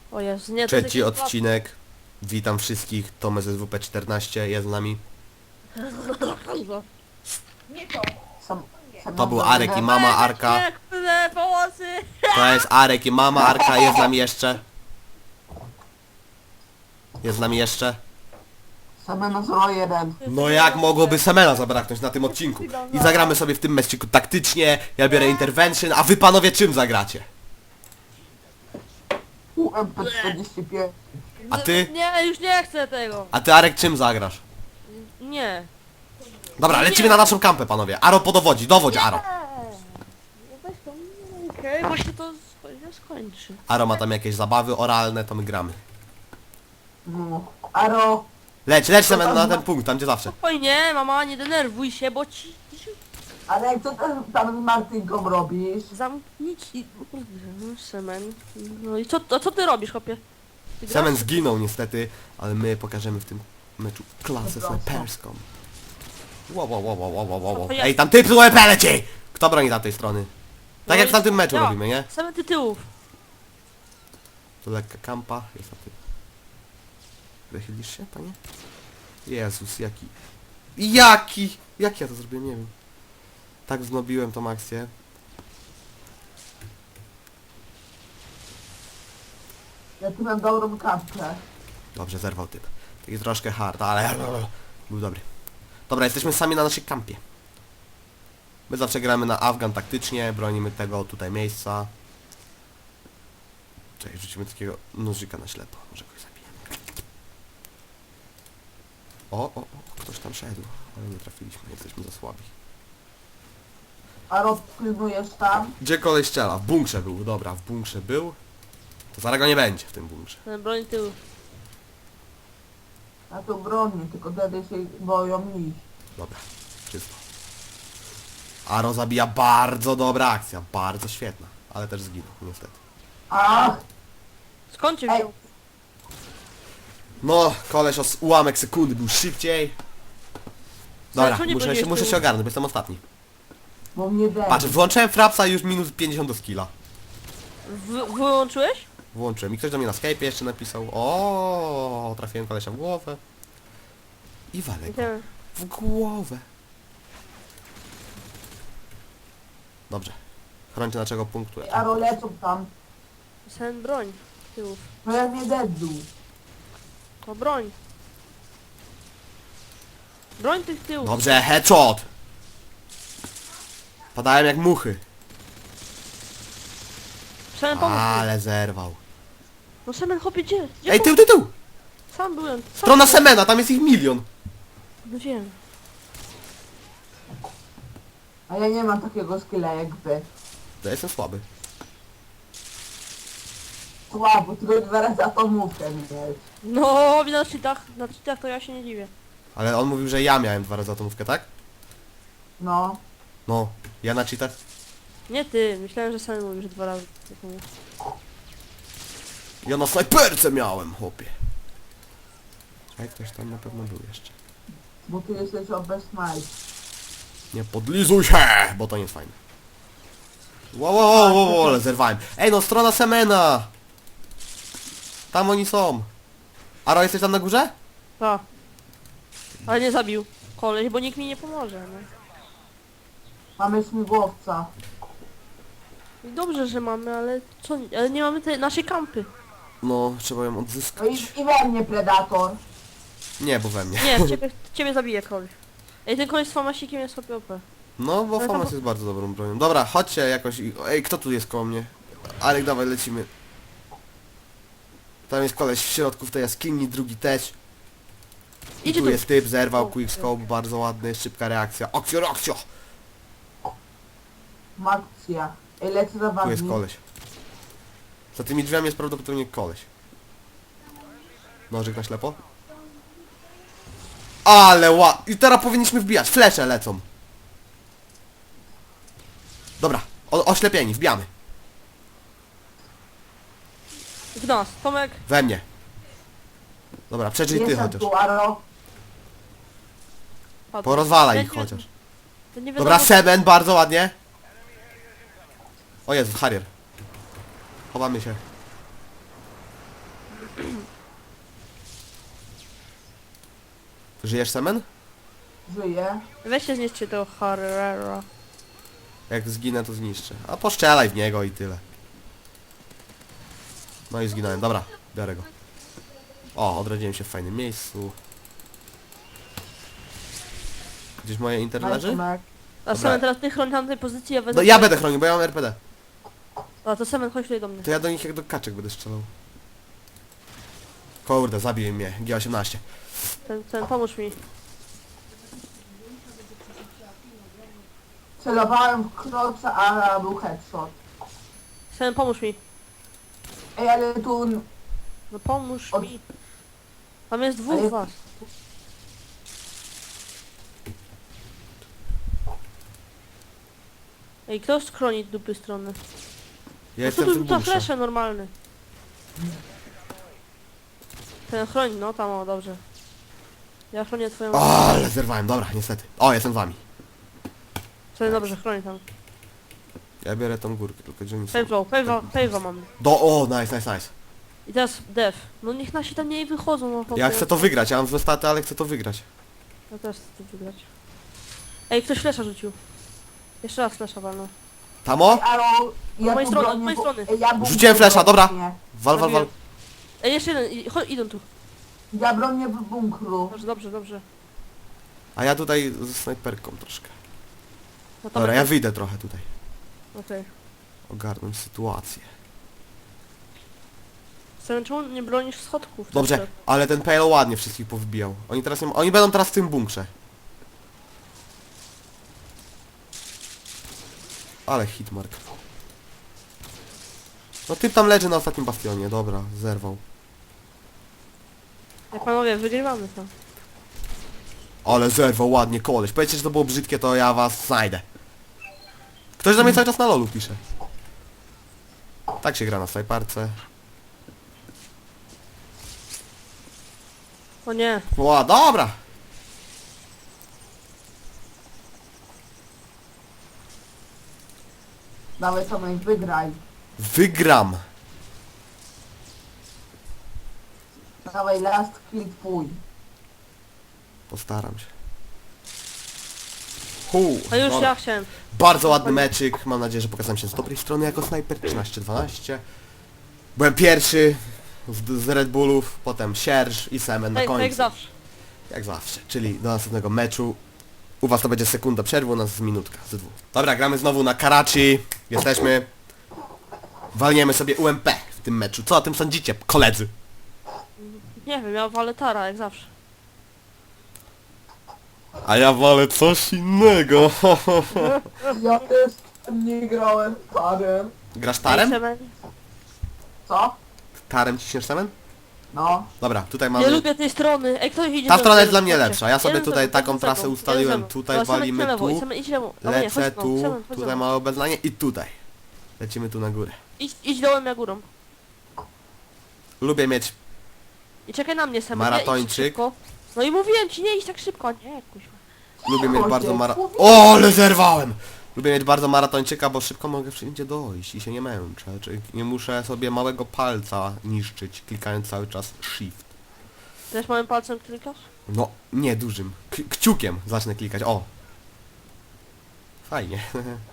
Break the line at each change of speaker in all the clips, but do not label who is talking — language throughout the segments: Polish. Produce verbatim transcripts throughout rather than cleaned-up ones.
O Jezu, nie, to
Trzeci
jest jakieś
odcinek. Witam wszystkich. Tomek z S W P czternaście jest z nami.
łatwe.
Nie to.
Sam, sam
To był Arek i mama Arka.
Nie, kurde, pomocy!
To jest Arek i mama Arka. Jest z nami jeszcze. Jest z nami jeszcze.
Semena zero jeden.
No jak mogłoby Semena zabraknąć na tym odcinku? I zagramy sobie w tym mecziku taktycznie. Ja biorę intervention, a wy panowie czym zagracie?
U M P czterdzieści pięć.
A ty?
Nie, już nie chcę tego.
A ty Arek czym zagrasz?
Nie.
Dobra, lecimy na naszą kampę panowie. Aro podowodzi, dowodź Aro.
Weź to, okej, bo się to sko- skończy.
Aro ma tam jakieś zabawy oralne, to my gramy.
No. Aro.
Leć, leć Semen na ten punkt, tam gdzie zawsze.
Spokojnie, mama, nie denerwuj się, bo ci...
Ale co tam, tam z Martynką robisz?
Zamknij ci... Kurde, Semen. No i co, a co ty robisz, chłopie? Ty grasz?
Semen zginął niestety, ale my pokażemy w tym meczu klasę snajperską. Wow, wow, wow, wow, wow, wow, wow. Ej, tam typ z U E P leci! Kto broni tamtej strony? Tak jak w tamtym meczu
Ja.
robimy, nie?
Same tytułów.
To lekka kampa, jest na tym. Wychylisz się, panie? Jezus, jaki... Jaki! Jak ja to zrobiłem? Nie wiem. Tak wznobiłem tą akcję.
Ja tu mam dobrą kapkę.
Dobrze, zerwał typ. Taki troszkę hard, ale... Był dobry. Dobra, jesteśmy sami na naszej kampie. My zawsze gramy na Afgan taktycznie, bronimy tego tutaj miejsca. Czekaj, rzucimy takiego nożyka na ślepo, może kogoś zabijemy. O, o, o, ktoś tam szedł, ale nie trafiliśmy, jesteśmy za słabi.
Aro, pilnujesz tam?
Gdzie kolej strzela? W bunkrze był, dobra, w bunkrze był. To zaraz go nie będzie w tym bunkrze.
Ten broń tyłów.
Ja to bronię, tylko wtedy się boją iść.
Dobra, czysto. Aro zabija, bardzo dobra akcja, bardzo świetna, ale też zginął, niestety.
Ach!
Skąd cię
Ej.
wziął?
No, koleś o s- ułamek sekundy był szybciej. Dobra,
Słuchaj, co nie
muszę się,
będziesz
muszę
tu?
się ogarnąć, bo jestem ostatni.
Bo mnie dej.
Patrz, włączyłem frapsa i już minus pięćdziesiąt do skilla.
W wyłączyłeś?
Włączyłem i ktoś do mnie na Skype jeszcze napisał. O, trafiłem kolesia w głowę. I walę go
Nie.
w głowę. Dobrze. Chrońcie naszego punktu.
Aro, lecą tam.
Ten broń tyłów.
No ja nie dedzu.
To broń. Broń tych tyłów.
Dobrze, headshot! Padałem jak muchy.
Semen pomóż mi.
Ale zerwał.
No Semen, chłopie, gdzie? Gdzie
Ej,
po-
tył, tył, tył!
Sam byłem. Sam
Strona
byłem.
Semena, tam jest ich milion.
No wiem.
A ja nie mam takiego skilla jak wy.
Ja jestem słaby.
Słabo, tylko dwa razy atomówkę mieć.
No, na cheatach, na cheatach to ja się nie dziwię.
Ale on mówił, że ja miałem dwa razy atomówkę, tak?
No.
No, ja na cheatach.
Nie ty, myślałem, że Semen mówił, że dwa razy. Tak mówię.
Ja na snajperce miałem, chłopie. Czekaj, ktoś tam na pewno był jeszcze.
Bo ty jesteś o best night.
Nie podlizuj się, bo to nie jest fajne. Wow, wow, wow, wow, wow, ale zerwałem. Ej, no strona Semena! Tam oni są. Aro, jesteś tam na górze?
Tak. Ale nie zabił koleś, bo nikt mi nie pomoże. No.
Mamy śmigłowca.
I dobrze, że mamy, ale co? Ale nie mamy tej naszej kampy.
No, trzeba ją
No
odzyskać.
i, i we mnie predator.
Nie, bo we mnie.
Nie, ciebie, ciebie zabije koleś. Ej, ten koleś z famasikiem jest sobie O P.
No, bo
Ale to-
Famas jest bardzo dobrą bronią. Dobra, chodźcie jakoś i... Ej, kto tu jest koło mnie? Alek, dawaj, lecimy. Tam jest koleś w środku w tej jaskini, drugi też. I
Idzie
tu
tu.
jest typ, zerwał,
O,
quickscope, bardzo ładny, szybka reakcja. Akcja, akcja!
Makcja. Ej, lecę za
Tu
wami.
jest koleś. Za tymi drzwiami jest prawdopodobnie koleś. Nożyk na ślepo. Ale ła... I teraz powinniśmy wbijać. Flesze lecą. Dobra. O, oślepieni, wbijamy.
W nas, Tomek.
We mnie. Dobra, przeżyj ty
Jestem
chociaż.
tu, Aro.
Padł.
Porozwalaj
Ja
ich
nie-
chociaż.
to nie
Dobra,
wiadomo-
Semen, bardzo ładnie. O Jezu, Harrier. Chowamy się. Żyjesz, Semen?
Żyje.
Weźcie zniszczcie tego Harrera.
Jak zginę, to zniszczę. A poszczelaj w niego i tyle. No i zginąłem. Dobra, biorę go. O, odrodziłem się w fajnym miejscu. Gdzieś moje inter leży?
Majtumek.
A Semen, teraz ty chroni tamtej pozycji, ja będę...
No ja będę chronił, bo ja mam R P D.
A to Semen, chodź tutaj do mnie.
To ja do nich jak do kaczek będę strzelał. Kurde, zabił mnie. G osiemnaście.
Ten, ten, pomóż mi.
Celowałem w kroca, a był headshot.
Semen, pomóż mi.
Ej, ale tu...
No pomóż
Od-
mi. Tam jest dwóch
Ale-
was. Ej, kto schroni dupy strony?
Ja
No
jestem
tu
w tym
to
bunkrze.
flesze normalny. Ten chroni, no tam o, dobrze. Ja chronię twoją...
O, ale zerwałem, dobra, niestety. O, jestem z wami.
Sobie dobrze, chroni tam.
Ja biorę tą górkę, tylko gdzie oni są.
Pave'o, pave'o, pave'o mam.
Do, o, nice, nice, nice.
I teraz def. No niech nasi tam nie wychodzą, no chłopie.
Ja chcę to wygrać, ja mam złe staty, ale chcę to wygrać.
Ja też chcę to wygrać. Ej, ktoś flesza rzucił. Jeszcze raz flesza walno.
Tamo?
Aro, ja
Od mojej
tu
strony, od
bronię,
mojej
bo-
strony.
Ej, ja bunkier
Rzuciłem flesza, dobra.
bronię.
Wal, wal, wal.
Ej, jeszcze jeden, i- chodź, idą tu.
Ja bronię w bunkru.
Dobrze, dobrze, dobrze.
A ja tutaj ze snajperką troszkę.
No to
Dobra, ja wyjdę trochę tutaj.
Okej.
Ogarnąć sytuację.
Okay. Czemu nie bronisz schodków?
Dobrze, ale ten Pale ładnie wszystkich powbijał. Oni teraz nie ma... Oni będą teraz w tym bunkrze. Ale hitmark. No typ tam leży na ostatnim bastionie, dobra, zerwał.
Jak panowie, wygrywamy to.
Ale zerwał ładnie koleś. Powiedzcie, że to było brzydkie, to ja was znajdę. Ktoś do mnie cały czas na lolu pisze. Tak się gra na snajparce.
O nie.
O, dobra!
Dawaj Tomek, wygraj.
Wygram!
Dawaj last kill twój.
Postaram się. Hu,
A już
dobra.
ja chciałem.
Bardzo ładny meczyk. Mam nadzieję, że pokazałem się z dobrej strony jako snajper. trzynaście dwanaście. Byłem pierwszy z, z Red Bullów, potem Sierż i Semen na
Tak, tak jak
końcu.
zawsze.
Jak zawsze. Czyli do następnego meczu. U was to będzie sekunda przerwy, u nas z minutka, z dwóch. Dobra, gramy znowu na Karachi. Jesteśmy. Walniemy sobie U M P w tym meczu. Co o tym sądzicie, koledzy?
Nie wiem, ja walę Tara, jak zawsze.
A ja wolę coś innego.
Ja też nie grałem parem.
Grasz
Ej,
Tarem?
Semen,
Co?
Tarem ciśniesz Semen?
No.
Dobra, tutaj
nie
mamy...
lubię tej strony. Ej, ktoś idzie
Ta
do
strona
mnie,
jest dla mnie
chodźcie.
lepsza. Ja sobie
Jeden
tutaj
za-
taką
za-
trasę
za-
ustaliłem.
jeden za-
Tutaj
Dobra, Semen,
walimy
idź na lewo,
tu.
Semen, idź lewo. A nie,
Lecę
chodź, no,
tu,
Semen, chodź
tutaj
za mną.
małe obeznanie i tutaj. Lecimy tu na górę.
Idź, idź dołem, ja górą.
Lubię mieć...
I czekaj na mnie, Semen.
Maratończyk.
Nie, idź szybko. No i mówiłem ci, nie idź tak szybko. Nie, kuźwa.
Lubię mieć
Chodź,
bardzo
jak
mara...
mówiłem.
O, ale zerwałem! Lubię mieć bardzo maratończyka, bo szybko mogę wszędzie dojść i się nie męczę. Czyli nie muszę sobie małego palca niszczyć, klikając cały czas shift.
Też małym palcem klikasz?
No, nie dużym. K kciukiem zacznę klikać. O! Fajnie.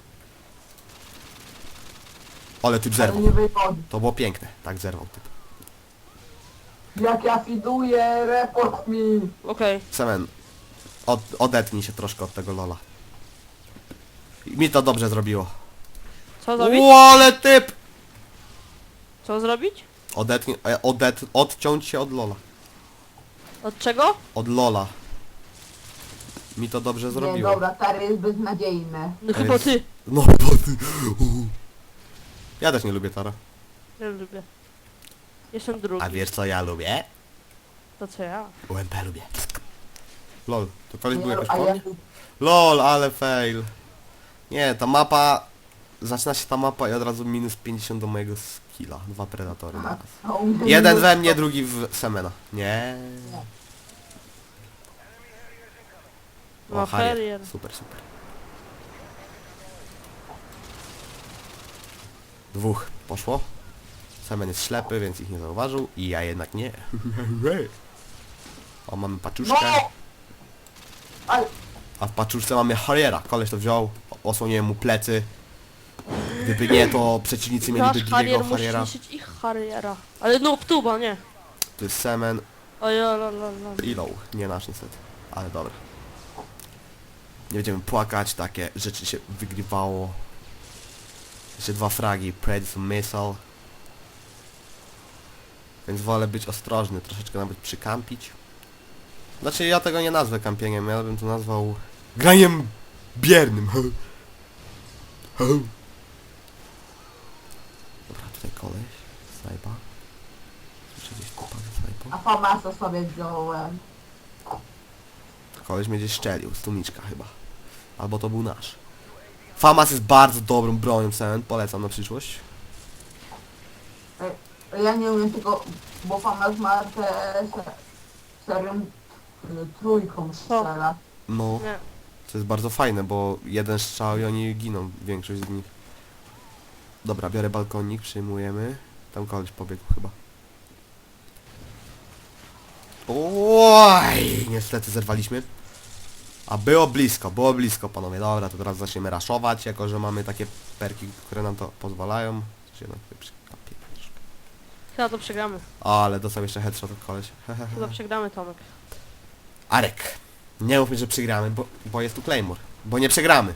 Ale typ
Ale
zerwał.
nie wychodzi.
To było piękne. Tak zerwał typ.
Jak ja fiduję, report mi.
Okej.
Semen, od, odetnij się troszkę od tego lola. I mi to dobrze zrobiło.
Co zrobić?
Ło, ale typ!
Co zrobić?
Odetnij, e, odet, odciąć się od lola.
Od czego?
Od lola. Mi to dobrze
Nie,
zrobiło.
dobra, Tary jest beznadziejny.
No
To
chyba
jest-
ty.
No bo ty. Uhu. Ja też nie lubię Tara.
Ja lubię. Jestem drugi.
A wiesz co ja lubię?
To co ja?
U M P lubię. Lol, to koleś był
Nie,
jakoś
a
po
ja
mnie? Lol, ale fail. Nie, ta mapa... Zaczyna się ta mapa i od razu minus pięćdziesiąt do mojego skilla. Dwa predatory na raz.
a u mnie
Jeden
minus
we mnie,
sto.
drugi w Semena. Nie.
No,
Harrier.
Harrier.
Super, super. Dwóch. Poszło? Semen jest ślepy, więc ich nie zauważył i ja jednak nie. O, mamy paczuszkę.
No! Aj,
A w paczuszce mamy Harriera. Koleś to wziął, osłoniłem mu plecy. Gdyby nie, to przeciwnicy mieliby
Nasz
drugiego
Harrier musi
Harriera.
niszczyć ich Harriera. Ale no, tuba, nie.
To jest Semen
Oj, la, la, la.
i Low. Nie nasz niestety, ale dobra. Nie będziemy płakać, takie rzeczy się wygrywało. Jeszcze dwa fragi, Predator Missile. Więc wolę być ostrożny, troszeczkę nawet przykampić. Znaczy ja tego nie nazwę kampieniem, ja bym to nazwał graniem biernym. Dobra, tutaj koleś, snajpa. Słyszę gdzieś typa ze snajpą.
a famasa sobie wziąłem.
Koleś mnie gdzieś szczelił, z tłumiczka chyba. Albo to był nasz. Famas jest bardzo dobrą bronią, Semen, polecam na przyszłość.
Ja nie umiem tylko, bo famas ma te se, serią y, trójką strzela.
No,
Nie.
to jest bardzo fajne, bo jeden strzał i oni giną, większość z nich. Dobra, biorę balkonik, przyjmujemy. Tam koleś pobiegł chyba. Oj, niestety zerwaliśmy. A było blisko, było blisko panowie. Dobra, to teraz zaczniemy raszować, jako że mamy takie perki, które nam to pozwalają. Coś jednak tutaj przykapię troszkę.
Chyba to przegramy.
Ale dostał jeszcze headshot od koleś.
Chyba przegramy, Tomek.
Arek, nie mów mi, że przegramy, bo, bo jest tu Claymore. Bo nie przegramy.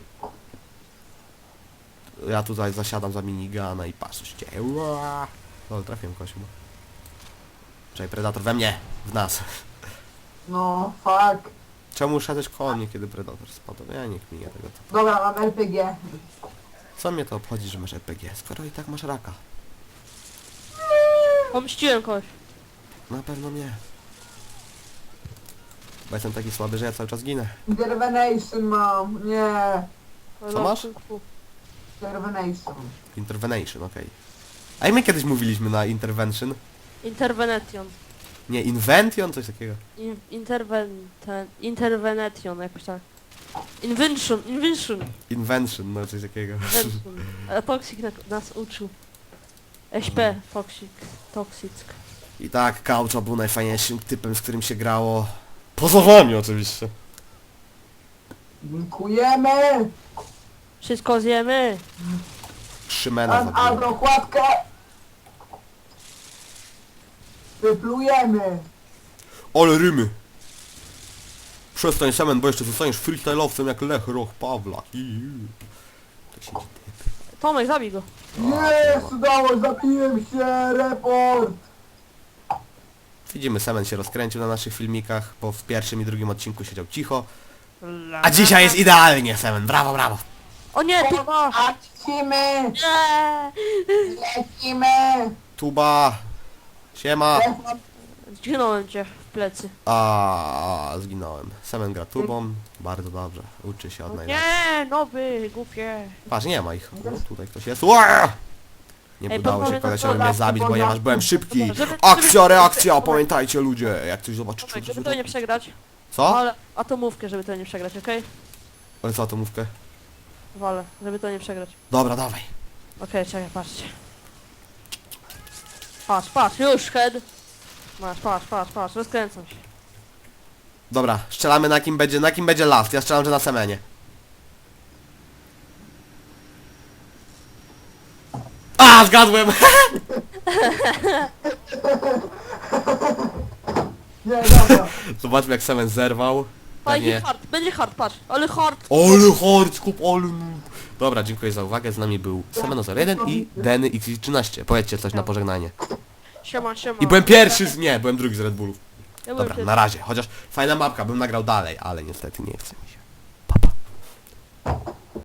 Ja tutaj zasiadam za minigana i patrzę się dzieje. Ua. No, trafiłem kogoś chyba. Czekaj, Predator we mnie, w nas.
No, fuck.
Czemu szedłeś koło mnie, kiedy Predator spadł? Ja nie kminię tego.
Dobra, mam R P G.
Co mnie to obchodzi, że masz R P G, skoro i tak masz raka?
Pomściłem kogoś.
Na pewno nie. Bo jestem taki słaby, że ja cały czas ginę.
Intervenation mam, nie.
Co masz?
Intervenation.
Intervention, okej. A jak my kiedyś mówiliśmy na intervention?
Intervention.
Nie, invention? Coś takiego.
In, interven... Ten, intervention, jakoś tak. Invention, invention.
Invention, no coś takiego.
Invention. A Toxic na, nas uczył. S P, Toxic, Toxic.
I tak, Kaucza był najfajniejszym typem, z którym się grało. Poza wami oczywiście.
Dziękujemy.
Wszystko zjemy.
Szymena
Mam
zabiłem.
agrokładkę. Wyplujemy.
Ale rymy! Przestań Semen, bo jeszcze zostaniesz freestyle'owcem jak Lech Roch Pawlak. Iu. To siedzi typ.
Tomek, zabij go.
Jest, udało, zabiłem się, report.
Widzimy, Semen się rozkręcił na naszych filmikach, bo w pierwszym i drugim odcinku siedział cicho. A dzisiaj jest idealnie, Semen, brawo, brawo!
O nie, tuba!
Lecimy,
Nie!
lecimy.
Tuba! Siema!
Zginąłem cię w plecy.
A zginąłem. Semen gra tubą, bardzo dobrze. Uczy się od
O
najlepszych.
nie, nowy, głupie.
Patrz, nie ma ich. O, tutaj ktoś jest. Ua! Nie
Ej,
udało się
panowie,
kolesiowi
to-
mnie zabić, ponieważ byłem szybki.
Dobra, żeby-
Akcja,
żeby-
reakcja, pamiętajcie ludzie, jak coś zobaczycie.
Tomek, żeby to nie przegrać.
Co?
Ale atomówkę, żeby to nie przegrać, okej?
Ale co, atomówkę?
Walę, żeby to nie przegrać.
Dobra, dawaj.
Okej, czekaj, patrzcie. Patrz, patrz, już, head. Masz, patrz, patrz, patrz, rozkręcam się.
Dobra, strzelamy na kim będzie, na kim będzie last. Ja strzelam, że na Semenie. A, zgadłem!
Nie, dobra.
Zobaczmy jak Semen zerwał.
Fajnie,
Pewnie.
hard, będzie hard, patrz, ale hard.
Ale hard, kup, ale... Dobra, dziękuję za uwagę. Z nami był Semeno zero jeden i Denny X trzynaście. Powiedzcie coś na pożegnanie.
Siema, siema.
I byłem pierwszy z... Nie, byłem drugi z Red Bullów.
Ja byłem
Dobra,
pierwszy.
na razie. Chociaż fajna mapka, bym nagrał dalej, ale niestety nie chce mi się.